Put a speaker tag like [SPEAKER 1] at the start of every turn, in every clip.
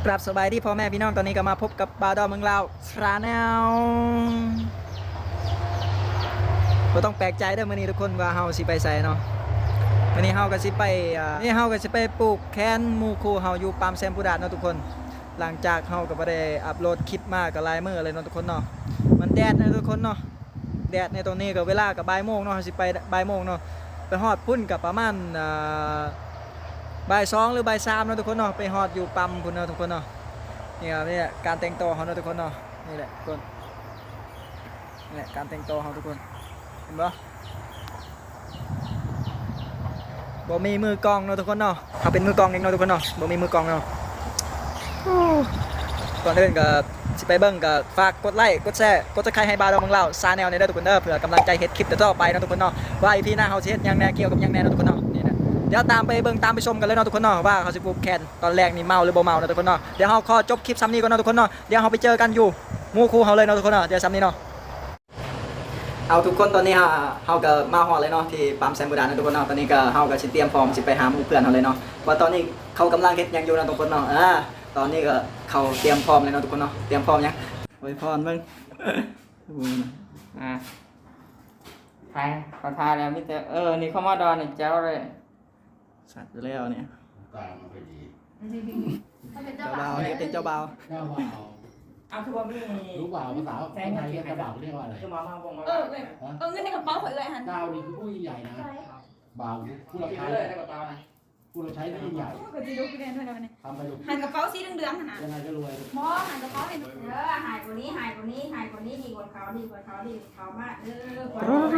[SPEAKER 1] กราบสบายดีพ่อแม่พี่น้องตอนนี้ก็มาพบกับบาวดอเมืองลาวชาแนลเราต้องแปลกใจเด้อมื้อนี้ทุกคนว่าเฮาสิไปไสเนาะมื้อนี้เฮาก็สิไปปลูกแคนหมู่คู่เฮาอยู่ปามแซมพูดาดเนาะทุกคนหลังจากเฮาก็บ่ได้อัปโหลดคลิปมาก็หลายมื้อเลยเนาะทุกคนเนาะมันแดดนะทุกคนเนาะแดดในตรงนี้ก็เวลาก็บ่ายโมงเนาะเฮาสิไปบ่ายโมงเนาะไปฮอดพุ่นก็ประมาณบ่าย2หรือบ่าย3เนาะทุกคนเนาะไปฮอดอยู่ปั๊มพุ่นเนาะทุกคนเนาะนี่ครับนี่แหละการแต่งตัวเขาเนาะทุกคนเนาะนี่แหละทุกคนนี่แหละการแต่งตัวเขาทุกคนเห็นปะบ่มีมือกองเนาะทุกคนเนาะเขาเป็นมือกองเองเนาะทุกคนเนาะบ่มีมือกองเนาะก่อนอื่นก็สิไปเบิ่งก็ฝากกดไลค์กดแชร์กดซับสไครบ์ให้บาวดอเมืองลาวชาแนลในเด้อทุกคนเด้อเพื่อกำลังใจเฮ็ดคลิปต่อไปเนาะทุกคนเนาะว่าอีพีหน้าเขาสิเฮ็ดหยังแหน่เกี่ยวกับหยังแหน่เนาะทุกคนเนาะนี่นะเดี๋ยวตามไปเบิ่งตามไปชมกันเลยเนาะทุกคนเนาะว่าเขาสิปลูกแคนตอนแรกนี่เมาหรือบ่เมาเนาะทุกคนเนาะเดี๋ยวเราขอจบคลิปซ้ำนี้ก่อนเนาะทุกคนเนาะเดี๋ยวเราไปเจอกันอยู่หมู่คู่เขาเลยเนาะทุกคนเนาะเดี๋ยวซ้ำนี้เนาะเอาทุกคนตอนนี้เราก็มาฮอดเลยเนาะที่ปั๊มแซมบูดาเนาะทุกคนเนาะตอนนี้ก็เราก็สิเตรียมพร้อมสิไปหาหมู่เพื่อนเขาเลยเนาะว่าตอนนี้เขากำลังเฮ็ดหยังอยู่เนาะทุกคนเนาะตอนนี้ก็เขาเตรียมพร้อมเลยเนาะทุกคนเนาะเตรียมพร้อมยังอวยพรมึง
[SPEAKER 2] ทายขอทายแล้วมิเตอร์นี่เข้ามาดอนนี่เจ้าเลย
[SPEAKER 1] สัตว์แล้วเนี่ย
[SPEAKER 3] ตามมันไปดี
[SPEAKER 1] เจ้าบ่าวนี่เป็นเจ้าบ่าว
[SPEAKER 3] เจ้าบ่าว
[SPEAKER 2] เอาคือว่ามี
[SPEAKER 3] รู้บ่าวภาษาไทยเรียกกระบ่าวเรียกว่าอะไร
[SPEAKER 2] คือมาบงมา
[SPEAKER 4] เงินในกระเป๋าข่อยเลยหัน
[SPEAKER 3] เจ้านี่คือผู้ยิ่งใหญ่นะบ่าวผู้รับ
[SPEAKER 2] กิน
[SPEAKER 3] ใช้
[SPEAKER 2] เลยได้กับเปล่าไหม
[SPEAKER 3] ผู้รับใช้ที่ยิ่งใหญ่
[SPEAKER 4] ก็จะดูกินได้ด้วยนะวันนี้
[SPEAKER 3] ทำไปลูก
[SPEAKER 4] หันกระเป๋าสีเหลืองๆหัน
[SPEAKER 3] ยังไงก็รวย
[SPEAKER 4] หมอหันกระเป๋าให้หายกว่านี้หายกว่านี้หายกว่านี้ดีกว่าเขาดีกว่าเขาดีเขามากกว่า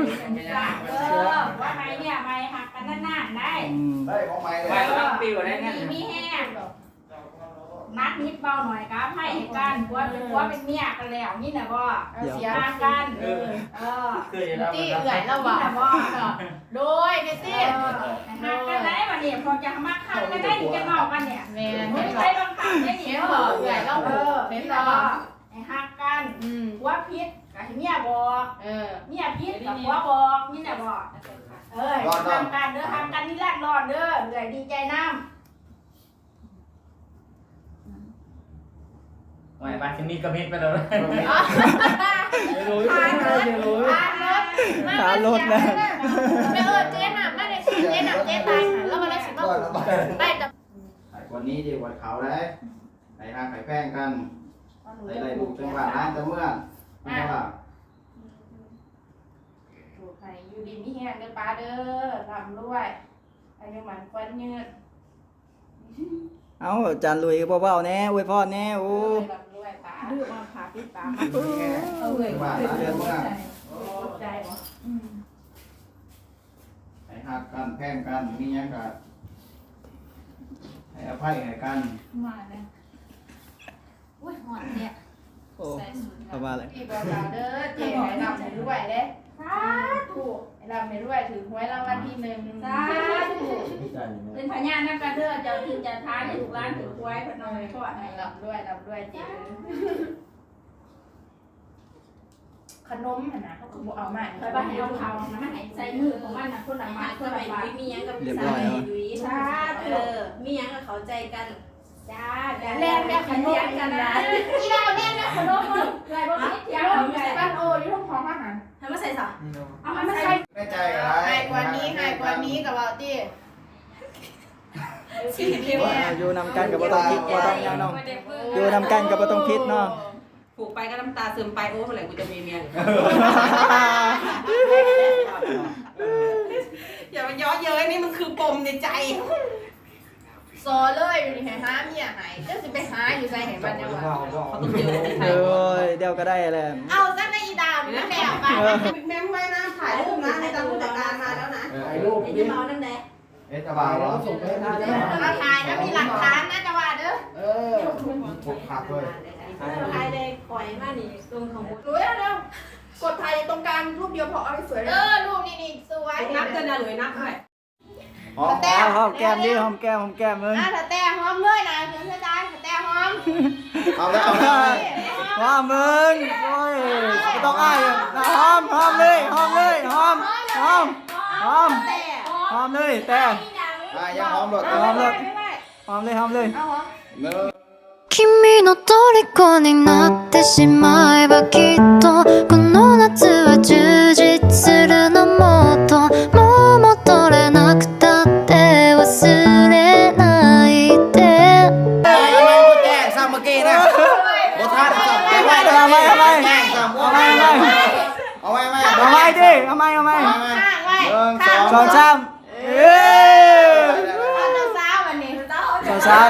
[SPEAKER 4] ว่าไงเนี่ยไม่หักกันนานๆได้
[SPEAKER 3] ได้ของใหม่เลย
[SPEAKER 2] ไม่ต้องปิวได้ไง
[SPEAKER 4] มีแห้งนักนิดเบาหน่อยครับให้กันว่าเป็นเมียกันแล้วนี่นะบ่เสียกัน
[SPEAKER 2] ที่
[SPEAKER 4] เอื่อยแล้วบ่โดยเนตี้หักกันได้วันนี้พอจะมาข้างกันได้จะเมากันเนี่ยแม่ไม่ใช่บางครั้งได้ยินเหรอเอื่อยแล้วเป็นหรอไอ้หักกันว่าพิษกับเมียบอกเมียพิษกับว่าบอกนี่นะบอกทำกันเด้อทำกันนี่แรกรอดเด้อเอื่อยดีใจน้ำ
[SPEAKER 2] ไม่บ้านจะมีกระมิดไปเลย
[SPEAKER 1] ขารถนะ
[SPEAKER 4] เจ๊หนักไม่ได้เจ๊หนักเจ๊ตายแล้วมาได้สิบได้แต่
[SPEAKER 3] วันนี้ดีกว่าเขาเลยไอ้ห้าไข่แป้งกันไอ้ลูกจังหวะร้านจะเมื่อไม่ใช่ป่ะ
[SPEAKER 4] ถูกใครอยู่ดีมีแห้งเด้อป้าเด้อทำด้วยอายุมันควันยืด
[SPEAKER 1] เอาจานลุยเบาๆแน่อวยพรแน่โอ้
[SPEAKER 4] ดื้อมาผ่าปิดปากเอาเลย
[SPEAKER 3] จังหวะร้านจะเมื่อ
[SPEAKER 4] ใจบ่
[SPEAKER 3] ไอ้หักกันแป้งกันมีอย่างกันให้อภัยให้กัน
[SPEAKER 4] มาเลยอุ้ยหอนเนี่ย
[SPEAKER 1] โอ้เอามาเลย
[SPEAKER 4] พี่บอกเราเด้อเจ๊ให้ดำให้ด้วยเด้สาธุให้ดำให้ด้วยถือหวยรางวัลที่1สาธุเป็นพญานนักการเด้อเจ้าที่จะท้าให้ถูกร้านถือหวยพนมทอดให้รับด้วยเจ๊ขนมน่ะเขาก็บ่เอามาไปบ้านให้เอาเขานะมันให้ใส่มือของมันน่ะคนละมาเพื่อไปมีหยังกับ
[SPEAKER 1] เรียบร้อยแล้ว
[SPEAKER 4] สาธุมีหยังกับเขาใจกันจ้าแล่นแม่ขนมกันนะอีดาวแล่นแม่ขนมมึงไงบ่คิดเที่ยวใส่บ้านโอ้อยู่ห้องของอาหารทำมาใส่ซะเอามาใส่
[SPEAKER 3] ไม่ใจอะไร
[SPEAKER 4] ให้กว่านี้กับว่าติสิเที่ยว
[SPEAKER 1] อยู่นำกันกับบ่ต้องคิดบ่ต้องยังน้องอยู่นำกันกับบ่ต้องคิดเนาะ
[SPEAKER 5] ผูกไปก็น้ำตาซึมไปโอ้เมื่อไหร่กูจะมีเมียอย่ามาย้อเย้ยนี่มันคือปมในใจ
[SPEAKER 4] ซอเลยอยู่นี่ให้หาเมียหายเจ้าสิไปหาอยู่ใส่ให้มันจังว่า
[SPEAKER 5] เขาต้องเจอในไทย
[SPEAKER 1] โอ้ยเดี๋ยวก็ได้แหละ
[SPEAKER 4] เอาซะในอีดาวนี่แหละไป
[SPEAKER 5] แม่งไว้นะถ่ายรูปนะในตามผู้จัดการมาแล้วนะ
[SPEAKER 3] ไอ้ลูก
[SPEAKER 5] ไอ้
[SPEAKER 3] นี่
[SPEAKER 5] ที่เมานั่นแหละ
[SPEAKER 3] จะบ่าวเราส่งไปให้ได้
[SPEAKER 4] เราถ่ายนะมีหลักฐานนะจะว่าเด้อ
[SPEAKER 3] ปกผักเลย
[SPEAKER 5] ถ่ายเลยปล่อยมานี่ตรงของ
[SPEAKER 4] รู้แล้วเร็ว
[SPEAKER 5] กดถ่ายตรงกลางรูปเดียวพอเอาไปสวยเลย
[SPEAKER 4] รูปนี่สวย
[SPEAKER 5] นับกันนะหรือนับด้วย
[SPEAKER 1] หอมแก้มดิหอมแก้มมึง
[SPEAKER 4] ถ้าแต่หอมเลยนะถึงจะได้ถ้าแต่หอม
[SPEAKER 3] เอาแล้ว
[SPEAKER 1] ว่ามึงโอ้ยไม่ต้องอ้ายหอมเลยหอมเลยแต่
[SPEAKER 3] ยังหอมหมด
[SPEAKER 1] หอมเลย
[SPEAKER 3] เนื้อ
[SPEAKER 6] 君の虜になってしまえばきっとこの夏は充実するのもっともう戻れなくたって忘れないで
[SPEAKER 3] แจ้งซ้ำเมื่อกี้นะโบท่านซ้ำเอาไว้แจ้งซ้ำเอาไว้
[SPEAKER 1] ดิเอาไหม
[SPEAKER 4] ข้างไว้
[SPEAKER 1] สองสามเอ้
[SPEAKER 4] เอาเจ้าสาววันนี้
[SPEAKER 1] เจ้าสาว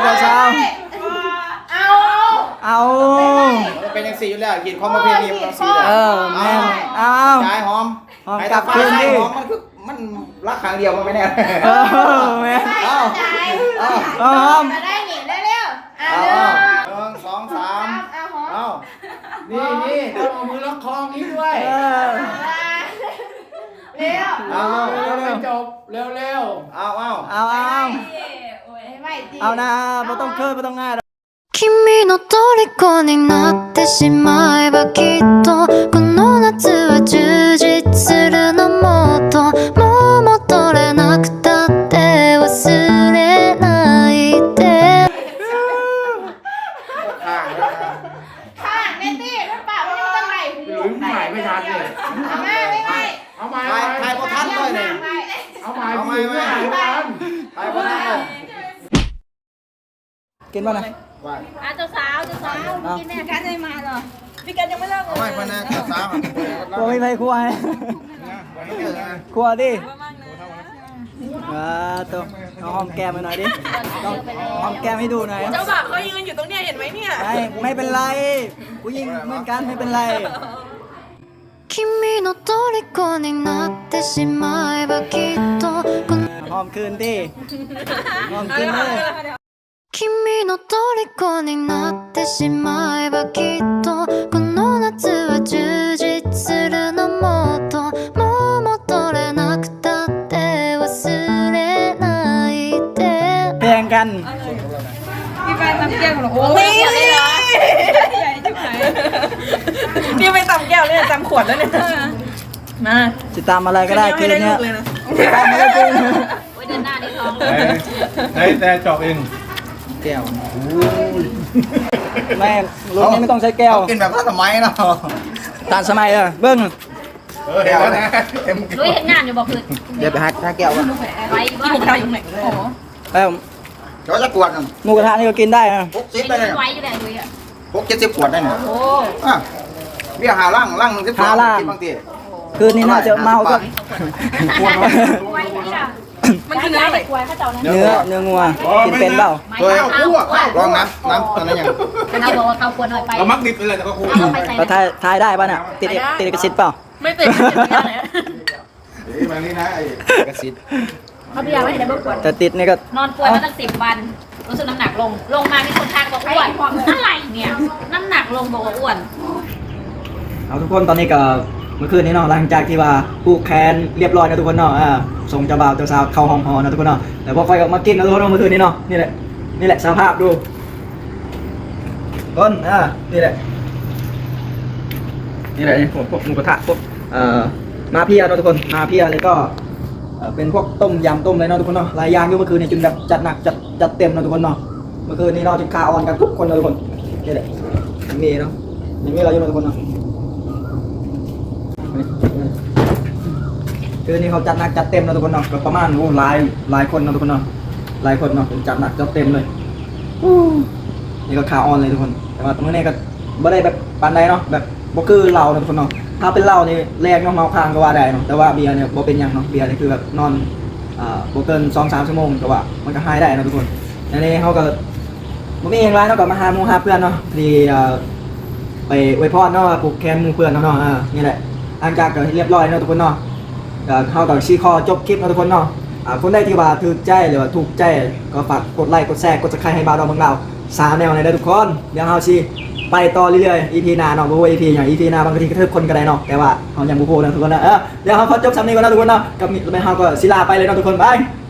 [SPEAKER 1] เอา
[SPEAKER 3] เป็นยังสี่อยู่แล้วกินของประเพณีมันสี่
[SPEAKER 1] เออแม่เอา
[SPEAKER 3] จ่ายหอม
[SPEAKER 1] หอม
[SPEAKER 3] ไอ้
[SPEAKER 1] กลั
[SPEAKER 3] ตา
[SPEAKER 1] บ
[SPEAKER 3] ฟ้า
[SPEAKER 1] คืน
[SPEAKER 3] ใส่
[SPEAKER 1] ดิ
[SPEAKER 3] หอมมันคือมันรักครั้งเดียวมันไม่แน่
[SPEAKER 1] เออแม่
[SPEAKER 3] เอา
[SPEAKER 1] หอม
[SPEAKER 4] มาได้หนิเร็วๆอ่ะ
[SPEAKER 3] หนึ่งสองสาม
[SPEAKER 4] เอาหอม
[SPEAKER 3] เอา
[SPEAKER 7] นี่ต้องเอามือล็อกคอนี้ด้วย
[SPEAKER 1] เออ
[SPEAKER 4] เร็ว
[SPEAKER 3] เอา
[SPEAKER 7] ไม่จบเร็ว
[SPEAKER 3] เอา
[SPEAKER 1] เอา
[SPEAKER 4] ไม่ตี
[SPEAKER 1] เอานะไม่ต้องเคิร์ไม่ต้องง่าย
[SPEAKER 6] 君の虜になってしまえばきっとこの夏は充実するのもっともう戻れなくたって忘れないで
[SPEAKER 4] ข้างเนตี้มันป่ามันยังตั้งไหน
[SPEAKER 7] ๆหลุยหมายไม่ทันเลย
[SPEAKER 4] เอามาไม่
[SPEAKER 7] เอาไม้
[SPEAKER 3] ทายพอทันเลยเนี่ย
[SPEAKER 7] เอาไม้หลุยไม่ทัน
[SPEAKER 3] ทายพอทันเลย
[SPEAKER 1] กินบ้างนะ
[SPEAKER 3] ว่า
[SPEAKER 4] อ่ะเจ้าสาวกินแม่กันได้มาเหรอพี่กันยังไม่เลิก
[SPEAKER 3] เอาไว้พนักสาม
[SPEAKER 1] กลัวไม่ไปครัวให้ครัวดิตัวเอาหอมแก้มมาหน่อยดิต้องหอมแก้มให้ดูหน่อย
[SPEAKER 5] เจ้าบ่าวเขายืนอยู่ตรงเนี้ยเห็นไหมเนี่ย
[SPEAKER 1] ไม่เป็นไรผู้หญิงเหมือนกันไม่เป็นไร
[SPEAKER 6] 君の虜になってしまえばきっとこの
[SPEAKER 1] หอมคืนดิหอมคืนเลย
[SPEAKER 6] 君の虜になってしまえばきっとこの夏は充実するのもっともう戻れなくたって忘れないで
[SPEAKER 1] เพลงกัน
[SPEAKER 5] พี่ไปตำแก้วหรอโอ้ยใหญ่จังไหนพี่ไปตำแก้วเนี่ยตำขวดแล้วเนี่ยมา
[SPEAKER 1] จะตามอะไรก็ได้คืนเนี้ย
[SPEAKER 5] เลยนะ
[SPEAKER 1] ตามอะไรคืน
[SPEAKER 4] โอ้ยเดินหน้าได้ท้อง
[SPEAKER 7] แต่จบเอง
[SPEAKER 3] แก้ว
[SPEAKER 1] แม่รุ่นนี้ไม่ต้องใช้แก้ว
[SPEAKER 3] กินแบบสมัยเนาะ
[SPEAKER 1] ตามสมัยเบิ้ง
[SPEAKER 3] แก้วนะเต็ม
[SPEAKER 4] ลุยเห็นงานอยู่บอกคือ
[SPEAKER 3] เดี๋ยวไปหาแก้วก่อน
[SPEAKER 4] ไว้บ้าน
[SPEAKER 5] ผมทำอยู่ไหนโอ้โห
[SPEAKER 1] แล้ว
[SPEAKER 3] เดี๋ยวจะกวดกัน
[SPEAKER 1] หมูกระทะนี่ก็กินได้นะ
[SPEAKER 3] 60ได้เลย
[SPEAKER 4] ไว้อยู่ไหนลุยอ่ะ
[SPEAKER 3] 60 ขวดได้เนี่ย
[SPEAKER 4] โอ้
[SPEAKER 3] อ่ะเบี้ยหาล่างนึง12กินบางที
[SPEAKER 1] คืนนี้น่าจะเมาก็
[SPEAKER 4] ไว้ที่ละ
[SPEAKER 5] มันคือเนื้ออะไร
[SPEAKER 4] ไว้ข้าเจ้านะ
[SPEAKER 1] เนื้องัวกินเป็นเปล่า
[SPEAKER 3] ตัวลองน้ำตอนนั้นยัง
[SPEAKER 4] เราบอกว่าเขาควรหน่อยไป
[SPEAKER 7] เรามักดิบไปเลยแต่ก็คู
[SPEAKER 4] เอาไปใส่
[SPEAKER 1] แล้วทายได้ป่ะน่ะติดเอกสิทธิ์เปล่า
[SPEAKER 5] ไม่ติดไม่ติดเนี่ย
[SPEAKER 3] แบบนี้นะไอ้กระสิทธิ์
[SPEAKER 4] เขาพยายามไม่ได้เบิกปวด
[SPEAKER 1] แต่ติดนี่ก็
[SPEAKER 4] นอนป่วยมาตั้ง10 วัน รู้สึกน้ำหนักลงมามีคนทักบอกอ้วนอะไรเนี่ยน้ำหนักลงบอกว่าอ้วน
[SPEAKER 1] เอาทุกคนตอนนี้ก็เมื่อคืนนี้เนาะหลังจากที่ว่าผูกแขนเรียบร้อยนะทุกคนเนาะส่งเจ้าบ่าวเจ้าสาวเข้าห้องพอนะทุกคนเนาะแต่พอไฟออกมากินนะทุกคนเนาะเมื่อคืนนี้เนาะนี่แหละสภาพดูต้นนี่แหละนี่พวกหมูกระทะพวกมาเพียเนาะทุกคนมาเพียเลยก็เป็นพวกต้มยำต้มอะไรเนาะทุกคนเนาะหลายอย่างอยู่เมื่อคืนนี้จนแบบจัดหนักจัดเต็มเนาะทุกคนเนาะเมื่อคืนนี้เนาะจนขาอ่อนกันทุกคนเลยทุกคนนี่แหละอย่างนี้เนาะอย่างนี้เราอยู่เนาะทุกคนเนาะคือนี่เขาจัดหนักจัดเต็มเนาะทุกคนเนาะก็ประมาณหลายคนเนาะทุกคนเนาะหลายคนเนาะจัดหนักจัดเต็มเลยนี่ก็ขาอ่อนเลยทุกคนแต่ว่าเมื่อนี้ก็ไม่ได้แบบปานใดเนาะแบบบ่คือเราเนาะทุกคนเนาะถ้าเป็นเรานี่แรงเนาะเมาค้างก็ว่าได้เนาะแต่ว่าเบียร์เนี่ยบ่เป็นหยังเนาะเบียร์นี่คือแบบนอนบ่เกิน 2-3 ชั่วโมงก็ว่ามันก็หายได้เนาะทุกคนอันนี้เขาก็บ่มีอย่างไรเนาะก็มาหาหมู่หาเพื่อนเนาะที่ไปอวยพรเนาะผูกแขนหมู่เพื่อนเนาะนี่แหละหลังจากก็เรียบร้อยเนาะทุกคนเนาะเข้ากับชี้คอจบคลิปเนาะทุกคนเนาะคนได้ที่ว่าถูกใจหรือว่าถูกใจก็ฝากกดไลค์กดแชร์กดซับสไครต์ให้บ่าวดอกเมืองเรา3 แนวในได้ทุกคนเดี๋ยวเฮาสิไปต่อเรื่อยๆ EP หน้าเนาะบ่ว่า EP อย่าง EP หน้าบางทีกระทืบคนก็ได้เนาะแต่ว่าเฮายังบ่โพนะทุกคนนะเดี๋ยวเฮาขอจบซ้ำนี้ก่อนนะทุกคนเนาะกับเฮาก็ศิลาไปเลยเนาะทุกคนบาย